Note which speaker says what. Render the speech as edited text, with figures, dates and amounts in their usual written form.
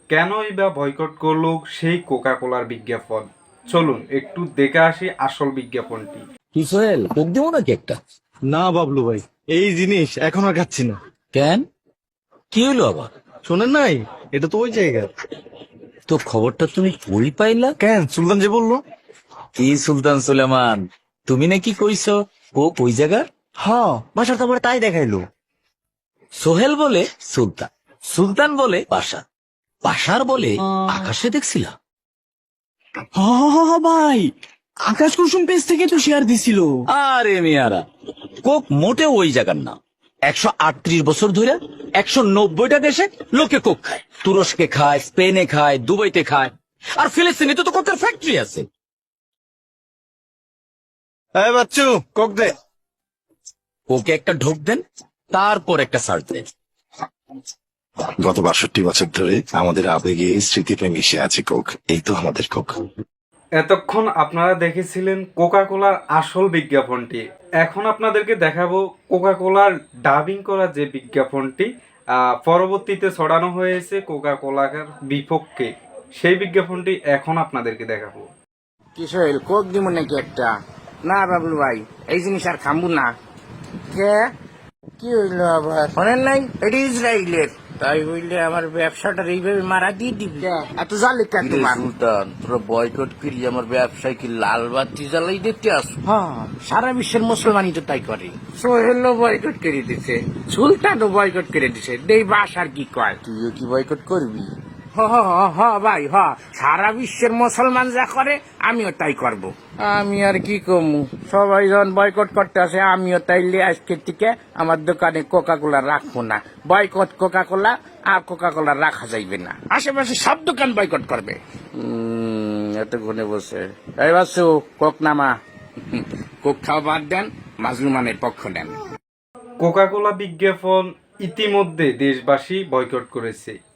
Speaker 1: কেনই বা বয়কট করলো সেই কোকা কোলার বিজ্ঞাপন? চলুন একটু দেখে আসি আসল বিজ্ঞাপনটি।
Speaker 2: কি সোহেল, কোক দেবো নাকি একটা?
Speaker 3: না বাবলু ভাই, এই জিনিস এখন আর খাচ্ছি না।
Speaker 2: কেন, কি হইলো আবার?
Speaker 3: শোনেন নাই, এটা তো ওই জায়গা।
Speaker 2: তো খবরটা তুমি কই পাইলা?
Speaker 3: কেন, সুলতান যে বললো।
Speaker 2: কি সুলতান সুলেমান, তুমি নাকি কইছো কোক ওই জায়গার?
Speaker 3: হ্যাঁ, বাসার তারপরে তাই দেখাইলো।
Speaker 2: সোহেল বলে সুলতান, সুলতান বলে বাসার, বাসার বলে আকাশে দেখছিলা?
Speaker 4: ভাই, আকাশ কুসুম পেজ থেকে তো শেয়ার দিছিল।
Speaker 2: আরে মিয়ারা, কোক মোটেও ওই জায়গার না। 138 বছর ধরে 190টা দেশে লোকে কোক খায়। তুরস্কে খায়, স্পেনে খায়, দুবাইতে খায়, আর ফিলিস্তিনে তো কোকের ফ্যাক্টরি আছে।
Speaker 3: এই বাচ্চু, কোক দে।
Speaker 2: ওকে একটা ঢোক দেন, তারপর একটা সার্চ দেন।
Speaker 5: গত 62 বছর ধরে আমাদের আবেগে স্মৃতিতে মিশে আছে কোক। এই তো আমাদের কোক।
Speaker 1: এতক্ষণ আপনারা দেখেছিলেন কোকা কোলার আসল বিজ্ঞাপনটি। এখন আপনাদেরকে দেখাবো কোকা কোলার ডাবিং করা যে বিজ্ঞাপনটি পরবর্তীতে ছড়ানো হয়েছে কোকা কোলার বিপক্ষে, সেই বিজ্ঞাপনটি এখন আপনাদেরকে দেখাবো।
Speaker 6: কি সোহেল, কোক দিব নাকি একটা? না বাবলু ভাই, এই জিনিস আর খামবো না। কে, কি হইলো আবার? শোনেন নাই, এটা ইসরায়েলের। তাই বললে আমার ব্যবসাটা এইভাবে মারা দিয়ে দিবি? এত জালে কেন তোমার?
Speaker 2: সুলতান, তোরা বয়কট করি আমার ব্যবসায় কি লাল বাতি জ্বালাই দিতে আস?
Speaker 6: হ্যাঁ, সারা বিশ্বের মুসলমানই তো তাই করে। সোহেলও বয়কট করে দিছে, সুলতানও বয়কট করে দিছে। দেই বাস আর কি কয়?
Speaker 2: তুইও কি বয়কট করবি?
Speaker 6: ভাই সারা বিশ্বের মুসলমান যা করে আমিও তাই করব। আমি আর কি কমু, সবাই যখন বয়কট করতে আসে আমিও তাইলে আজকের থেকে আমার দোকানে কোকা কোলা রাখবো না। বয়কট কোকা কোলা, আর কোকা কোলা রাখা যাইবে না। আশেপাশে সব দোকান বয়কট করবে। এতক্ষণে বসে এই বাসু, কোক নামা। কোক খাওয়া বাদ দেন, মাজলুমানের পক্ষ নেন।
Speaker 1: কোকা কোলা বিজ্ঞাপন ইতিমধ্যে দেশবাসী বয়কট করেছে।